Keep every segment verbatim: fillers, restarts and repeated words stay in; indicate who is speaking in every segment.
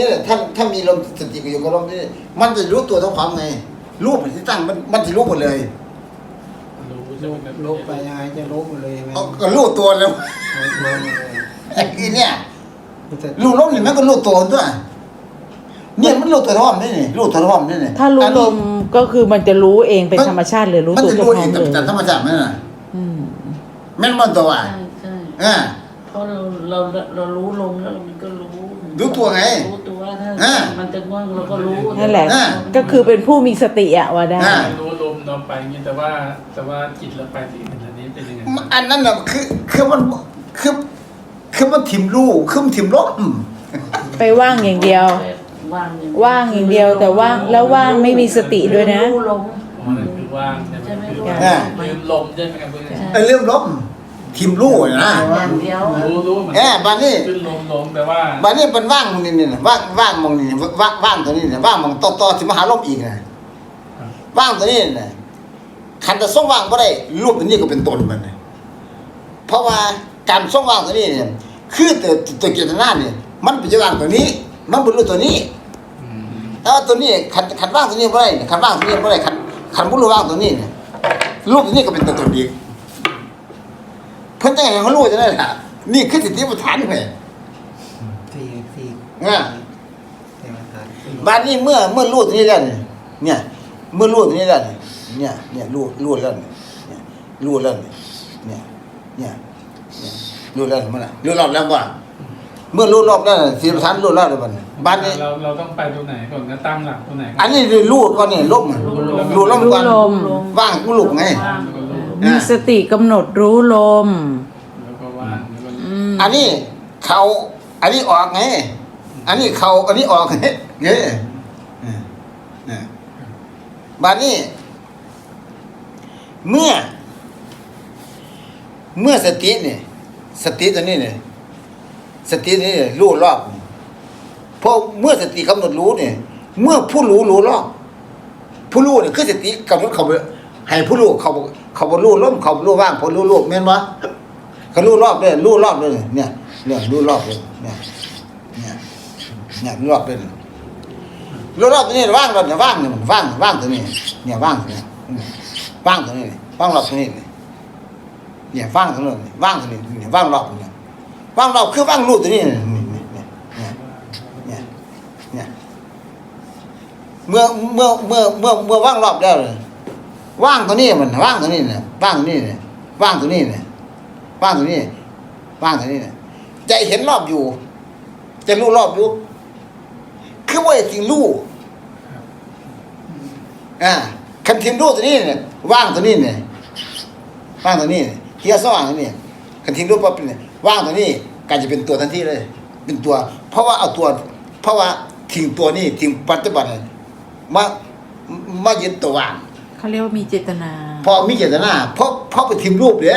Speaker 1: ถ้าถ้ามีลมสติอยู่กับลมนี่มันจะรู้ตัวทั้งความไงรูปที่ตั้งมันมันจะรู้หมดเลย
Speaker 2: รู้ลบไปยังไงจะลบหมดเลยใช่ไหม
Speaker 1: ก็รู้ตัวแล้วไอ้ที่เนี่ยรู้ลมนี่มันก็รู้ตัวด้วยเนี่ยมันรู้ตัวท้องนี่นี่รู้ตัวท้องนี่นี่
Speaker 3: ถ้ารู้ลมก็คือมันจะรู้เองเป็นธรรมชาติเลยรู้ตัวเจ้าของเลย
Speaker 1: แต่ธรรมชาติมันน่ะแม่นมันตัวอ่ะ
Speaker 4: ใช่
Speaker 1: ใช่
Speaker 4: เพราะเราเราเรารู้ลมแล้วมันก็รู้
Speaker 1: รู้ตัวไง
Speaker 4: รู้ตัวถ้ามันจะง่วงเราก็รู้
Speaker 3: นั่นแหละก็คือเป็นผู้มีสติอะว่าได้
Speaker 2: รู้ลมเราไปอย่างนี้แต่ว่าแต่ว่าจิตเราไปที่อันนี้เป็นยังไง
Speaker 1: อันนั้นน่ะคือคือมันคือคือมันถิ่มรู้คือมันถิ่มลม
Speaker 3: ไปว่างอย่างเดียวว่างอย่างเดียวแต่ว่างแล้วว่างไม่มีสติด้วยนะ
Speaker 4: รู้ลม
Speaker 2: อ๋อนั่นคือว่างใช่ไหมลืมลมใช่ไหมครับเพื่อน
Speaker 1: ไอ้เรื่องลมทิมรู้นะ
Speaker 2: รู้รู้เหมือน
Speaker 1: กันบ้านนี้
Speaker 2: ขึ้นลมลงแต่ว่า
Speaker 1: บ้านนี้เป็นว่างมองนี่นี่ว่างว่างมองนี่ว่างว่างตัวนี้เนี่ยว่างมองต่อต่อสิมหาลมอีกนะว่างตัวนี้เนี่ยขันจะส่งว่างก็ได้รูปตัวนี้ก็เป็นตนมันเพราะว่าการส่งว่างตัวนี้เนี่ยคือตัวตัวเจตนาเนี่ยมันเป็นว่างตัวนี้มันเป็นรูปตัวนี้แต่ว่าตัวนี้ขันขันว่างตัวนี้ไม่ได้ขันว่างตัวนี้ไม่ได้ขันขันบุรุษว่างตัวนี้เนี่ยรูปตัวนี้ก็เป็นตัวตนอีกเพิ่นจังไงเขารู้จะได้ล่ะนี่คือสิทธิประธานไง
Speaker 2: สี่สี่
Speaker 1: อ่าบ้านนี้เมื่อเมื่อรู้ตรงนี้แล้วเนี่ยเมื่อรู้ตรงนี้แล้วเนี่ยเนี่ยรู้รู้แล้วเนี่ยรู้แล้วเนี่ยเนี่ยเนี่ยรู้แล้วมันน่ะรู้รอบแล้วบ่เมื่อรู้รอบแล้วสิทธิประธานรู้แล้วเด้อบัดบ้านนี้
Speaker 2: เราเราต้องไปตรงไหนก่อนนะตั้งหลักตรงไหน
Speaker 1: อันนี้รู้ก่อนนี่ลมรู้ลมก่อนว่างกูลุกไง
Speaker 3: มีสติกำหนดรู้ลม
Speaker 1: อันนี้เขาอันนี้ออกไงอันนี้เขาอันนี้ออกไงเงี้ยบ้านนี้เมื่อเมื่อสติเนี่ยสติตัวนี้เนี่ยสตินี่รู้รอบเพราะเมื่อสติกำหนดรู้เนี่ยเมื่อผู้รู้รู้รอบผู้รู้เนี่ยคือสติกำหนดเขาให้ผู้รู้เขาเขาบรรลุล้มเขาบรรลุว่างพอรู้โลกแม่นวะเขารู้รอบเลยรู้รอบเลยเนี่ยเนี่ยรู้รอบเลยเนี่ยเนี่ยเนี่ยรู้รอบเลยรู้รอบตัวนี้ว่างรอบเนี่ยว่างเนี่ยมันว่างว่างตัวนี้เนี่ยว่างตัวนี้ว่างตัวนี้ว่างรอบตัวนี้เนี่ยว่างตัวนี้ว่างตัวนี้เนี่ยว่างรอบเนี่ยว่างรอบคือว่างรู้ตัวนี้เนี่ยเนี่ยเนี่ยเนี่ยเมื่อเมื่อเมื่อเมื่อเมื่อว่างรอบแล้วเลยว่างตัวนี้มันว่างตัวนี้เนี่ยว่างตัวนี้เนี่ยว่างตัวนี้เนี่ยว่างตัวนี้ว่างตัวนี้เนี่ยใจเห็นรอบอยู่จะรู้รอบอยู่คือว่าจริงรู้อ่าคันทิมรู้ตัวนี้เนี่ยว่างตัวนี้เนี่ยว่างตัวนี้เฮียสว่างตัวนี้คันทิมรู้ปั๊บเนี่ยว่างตัวนี้กลายจะเป็นตัวทันทีเลยเป็นตัวเพราะว่าเอาตัวเพราะว่าทิ้งตัวนี้ทิ้งปัจจุบันมามายึดตัวว่าง
Speaker 3: เขาเรียกว่ามีเจตนา
Speaker 1: พอมีเจตนาเพราะเพราะไปทิมรูปเด้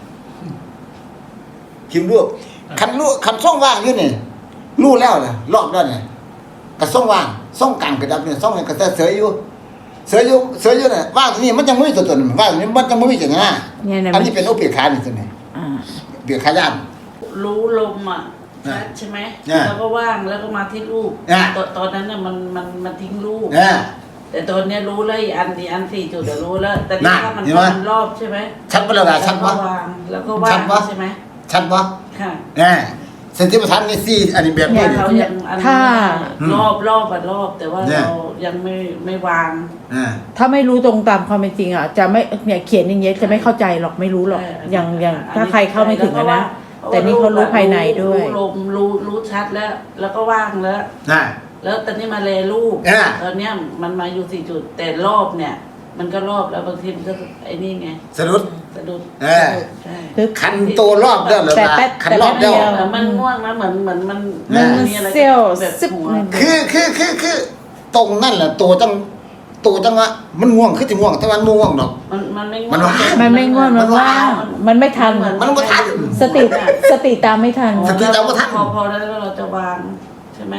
Speaker 1: ทิมรูปคันรูปคันส่องว่างอยู่นี่รู้แล้วนะรอบแล้วเนี่ยกระส่องว่างส่องกลางกระดับเนี่ยส่องกระเสยอยู่เสยอยู่เสยอยู่เนี่ยว่างตรงนี้มันจะไม่มีตัวตนว่างตรงนี้มันจะไม่มีเจตนาอันนี้เป็นอุเบกขานี่ตัวนี้เบียกขาย่าน
Speaker 4: รู้ลมอ่ะใช่ไหมแล้วก็ว่างแล้วก็มาที่รูปตอนนั้นน่ะมันมันมันทิ้งรูปแต่ตอนนี้รู้แล้วอีอันดีอันสี่จุดเดี๋ยวรู้แล้วแต่นี่ถ้ามันมันรอบใช่ไหม
Speaker 1: ชัดปะล่ะชัดปะ
Speaker 4: แล้วก็ว่างใช่ไหม
Speaker 1: ชัดปะ
Speaker 4: ค่ะ
Speaker 1: แน่สติปัฏฐานนี่สี่อันนี้แบบนี้
Speaker 3: ถ้
Speaker 4: ารอบรอบแบบรอบแต่ว่าเรายังไม่ไม่วาง
Speaker 3: ถ้าไม่รู้ตรงตามความเป็นจริงอ่ะจะไม่เนี่ยเขียนอย่างเงี้ยจะไม่เข้าใจหรอกไม่รู้หรอกอย่างอย่างถ้าใครเข้าไม่ถึงนะแต่นี่เขารู้ภายในด้วย
Speaker 4: รู้ลมรู้รู้ชัดแล้ว แล้วก็ว่างแล้วแล้วตอนนี้มาเลรูปตอนเนี้ยมันมาอยู่สี่จุดแต่รอบเนี่ยมันก็รอบแล้วบางทีมันก็ไอ้นี่ไง
Speaker 1: สะดุด
Speaker 4: สะดุด
Speaker 1: เออคันโตรอบเด้อเลยคันรอบเดียว
Speaker 4: มันง่วงนะเหมือนเหมือนมัน
Speaker 3: มันมีอะไรเซี่ยวซึบ
Speaker 1: คือคือคือคือตรงนั่นแหละตัวจังตัวจังวะมันง่วงคือจะง่วงแต่มันง่วงดอก
Speaker 4: มันมันไม่ง่วง
Speaker 3: มันไม่ง่วงมันว่างมันไม่ทัน
Speaker 1: มันไม่ทัน
Speaker 3: สติสติตามไม่ทัน
Speaker 1: สติตามไม่ทัน
Speaker 4: พอพอแล้วเราจะวางใช่ไหม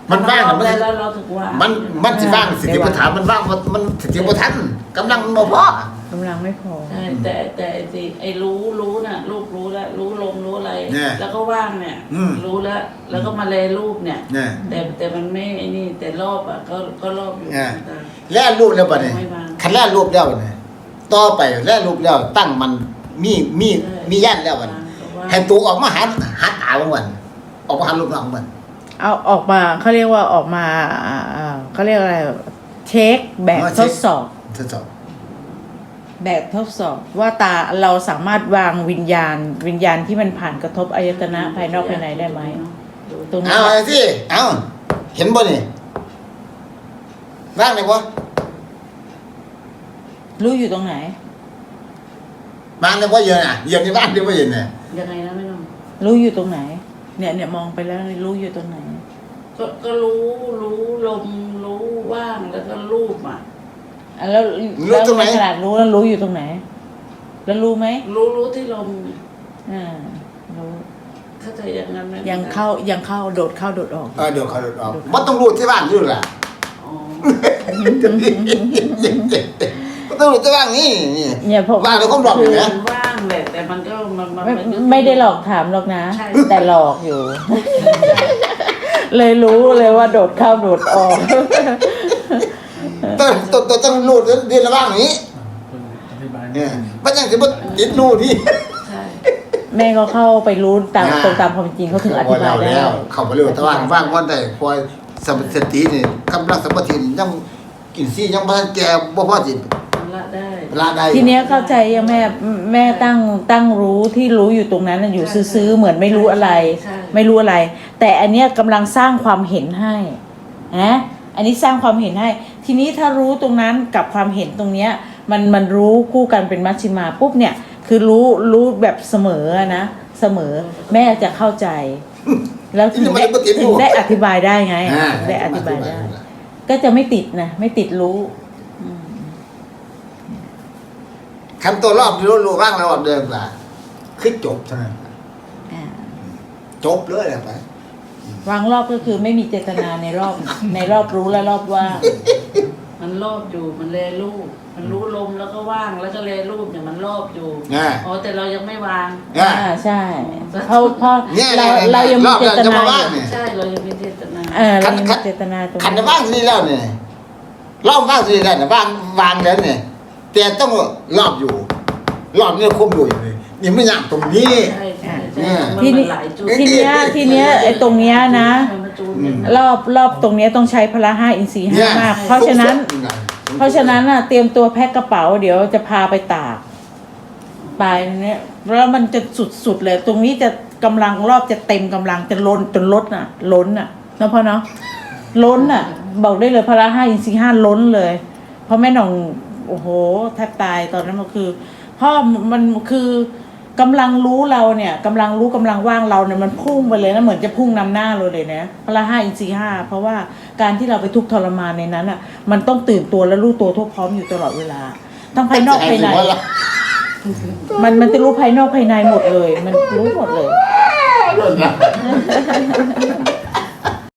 Speaker 1: มันว่างน่ะมัน
Speaker 4: ได้แล้วเราถูกว่า
Speaker 1: มั
Speaker 4: มัน
Speaker 1: มันสิว่างสติปัฏฐานมันว่างมันมันสติปัฏฐานกำลังมันบ่พอก
Speaker 3: ำลังไม่พอ
Speaker 4: ใช่แต่แต่ไอ้สิไอ้รู้รู้น่ะรูปรู้แล้วรู้ลมรู้อะไร
Speaker 1: เนี่ย
Speaker 4: แล้วก็ว่างเนี่ย
Speaker 1: อืม
Speaker 4: รู้แล้ว แล้วก็มาแลรูปเนี่ย
Speaker 1: เนี่ย
Speaker 4: แต่แต่มันไม่ไอ้นี่แต่รอบอ่ะก็ก็รอบอยู่
Speaker 1: เนี่ย
Speaker 4: แต่
Speaker 1: แล่รูปแล้วบัดนี้
Speaker 4: ไม่ว่าง
Speaker 1: คันแล่รูปแล้วเนี่ยต่อไปแล่รูปแล้วตั้งมันมีมีมีย่านแล้วบัดนี้
Speaker 4: ว่าง
Speaker 1: ให้ตัวออกมาหาหาตาบางวันออกมาหารูปน้องมัน
Speaker 3: เอาออกมาเขาเรียกว่าออกมาอ่าอ่าเขาเรียกอะไรเช็คแบบทดสอบ
Speaker 1: ทดสอบ
Speaker 3: แบบทดสอบว่าตาเราสามารถวางวิญญาณ วิญญาณที่มันผ่านกระทบอายตนะภายนอกภายในได้ไหมตรงนี้
Speaker 1: เอาไอ้ที่เอาเห็นบ่นี่ว่างเลยบ่
Speaker 3: รู้อยู่ตรงไหน
Speaker 1: ว่างเลยบ่เยอะน่ะเยอะนี่ว่างเลยบ่เยอะน่ะ
Speaker 4: ยังไงนะไม่ต้อง
Speaker 3: รู้อยู่ตรงไหน เนี่ยเนี่ยมองไปแล้วรู้อยู่ตรงไหน
Speaker 4: ก็ก็รู้รู้ลมรู้ว่างแล้วก็รูปอ่ะ
Speaker 3: อ่ะแล้วแล้วในขนาดรู้แล้วรู้อยู่ตรงไหน แล้วรู้ไหม
Speaker 4: รู้รู้ที่ลม
Speaker 3: อ่ารู้
Speaker 4: เข้าใจอย่างนั้นไหม
Speaker 3: ยังเข้ายังเข้าโดดเข้าโดดออก
Speaker 1: เออเดี๋ยวเขาออกบ่ต้องรู้ที่ว่างอยู่ล่ะ
Speaker 4: อ๋อ
Speaker 1: บ่ต้องรู้ที่ว่างนี่นี่
Speaker 3: เนี่ยผม
Speaker 1: ว่างแล้วก็หลอกอยู่นะ
Speaker 4: มันว่างแหละแต่มันก็มันมัน
Speaker 3: ไม่
Speaker 4: มันก็
Speaker 3: ไม่ได้หลอกถามหรอกนะ
Speaker 4: ใช่
Speaker 3: แต่หลอกอยู่ เลยรู้เลยว่าโดดเข้าโดดออก
Speaker 1: ต้องต้องต้องต้องรู้เรียนระว่างนี้
Speaker 2: คุณอธิบาย
Speaker 1: เนี่ยบ่จังสิบ่ติดรู้นี่
Speaker 4: ใช่
Speaker 3: แม่ก็เข้าไปรู้ตาม
Speaker 1: อ่า
Speaker 3: ตรงตามความเป็นจริงเขาถึงอธิบายได้
Speaker 1: แล้วเข้ามาเร็วแต่ว่างว่างวันใดคอยสตินี่กำลังสมาธิยังกินซี่ยังบ่ทันแก่บ่พอสิ
Speaker 4: มันละได้
Speaker 1: เวลาใด
Speaker 3: ทีเนี้ยเข้าใจยังแม่แม่ตั้งตั้งรู้ที่รู้อยู่ตรงนั้นน่ะอยู่ซื้อๆเหมือนไม่รู้อะไร
Speaker 4: ใช่
Speaker 3: ไม่รู้อะไร แต่อันเนี้ยกำลังสร้างความเห็นให้นะอันนี้สร้างความเห็นให้ ทีนี้ถ้ารู้ตรงนั้นกับความเห็นตรงเนี้ยมันมันรู้คู่กันเป็นมัชฌิมาปุ๊บเนี่ยคือรู้รู้แบบเสมอนะเสมอแม่จะเข้าใจ แล้วถึงได้ถึงได้อธิบายได้ไง
Speaker 1: อ่า
Speaker 3: ถึงได้อธิบายได้ ก็จะไม่ติดนะไม่ติดรู้
Speaker 1: คันตัวรอบรู้รู้ว่างแล้วเดิมล่ะคือจบเท่านั้น
Speaker 3: อ่า
Speaker 1: จบเลยแหละไป
Speaker 3: วางรอบก็คือไม่มีเจตนาในรอบ ในรอบรู้และรอบว่าง
Speaker 4: มันรอบอยู่มันแลรูปมันรู้ลมแล้วก็ว่างแล้วก็แลรูปเนี่ยมันรอบอยู่
Speaker 1: อ่า
Speaker 4: อ๋อแต่เรายังไม่วาง
Speaker 1: อ่า
Speaker 3: อ่าใช่เพราะเพราะ
Speaker 1: เนี่ย
Speaker 3: เรา
Speaker 1: เนี่ย
Speaker 3: เรายังมี
Speaker 1: รอบ
Speaker 3: เจ
Speaker 1: เรา
Speaker 3: ต
Speaker 1: จะ
Speaker 3: นา
Speaker 1: มา
Speaker 3: อ
Speaker 1: ว่าง
Speaker 3: ยู่
Speaker 1: เนี่ย
Speaker 4: ใช่เรายังมีเจตนา
Speaker 3: เออเรายัง
Speaker 1: ขั
Speaker 3: มี
Speaker 1: น
Speaker 3: เจตนาตรง
Speaker 1: ขัน
Speaker 3: นี้
Speaker 1: ว่างที่นี่แล้วเนี่ยรอบว่างที่นี่แล้วเนี่ยว่างวางแล้วเนี่ยแต่ต้องรอบอยู่ รอบเนี่ยคุมอยู่อยู่เลยนี่ไม่อยากตรงนี้
Speaker 4: ใช่ใช่
Speaker 1: เนี่
Speaker 4: ใช่
Speaker 1: ย
Speaker 4: มัน
Speaker 3: ที
Speaker 4: มัน
Speaker 3: นี้
Speaker 4: หลายจุด
Speaker 3: ทีเนี้ยทีเนี้ยไอ้ตรงเนี้ยนะ
Speaker 4: มันมาจูน
Speaker 1: อืม
Speaker 3: รอบรอบตรงเนี้ยต้องใช้พละห้าอินทรีย์
Speaker 1: เนี่
Speaker 3: ห้าย มาก เพราะฉะนั้น เพราะฉะนั้นอ่ะเตรียมตัวแพ็คกระเป๋าเดี๋ยวจะพาไปตากไปเนี่ยแล้วมันจะสุดๆเลย ตรงนี้จะกำลังรอบจะเต็มกำลังจะล้นจนล้นอ่ะ ล้นอ่ะเนาะพ่อเนาะล้นอ่ะ บอกได้เลยพละห้าอินทรีย์ห้าล้นเลย เพราะแม่หน่องโอ้โหแทบตายตอนนั้นมันคือพ่อมันคือกำลังรู้เราเนี่ยกำลังรู้กำลังว่างเราเนี่ยมันพุ่งไปเลยนะเหมือนจะพุ่งนำหน้าเราเลยนะพละห้าอินทรีย์ห้าเพราะว่าการที่เราไปทุกข์ทรมานในนั้นอ่ะ มันต้องตื่นตัวและรู้ตัวทั่วพร้อมอยู่ตลอดเวลาทั้งภายนอกภายใน มันมันจะรู้ภายนอกภายในหมดเลย มันรู้หมดเลย
Speaker 1: เรื่องนะ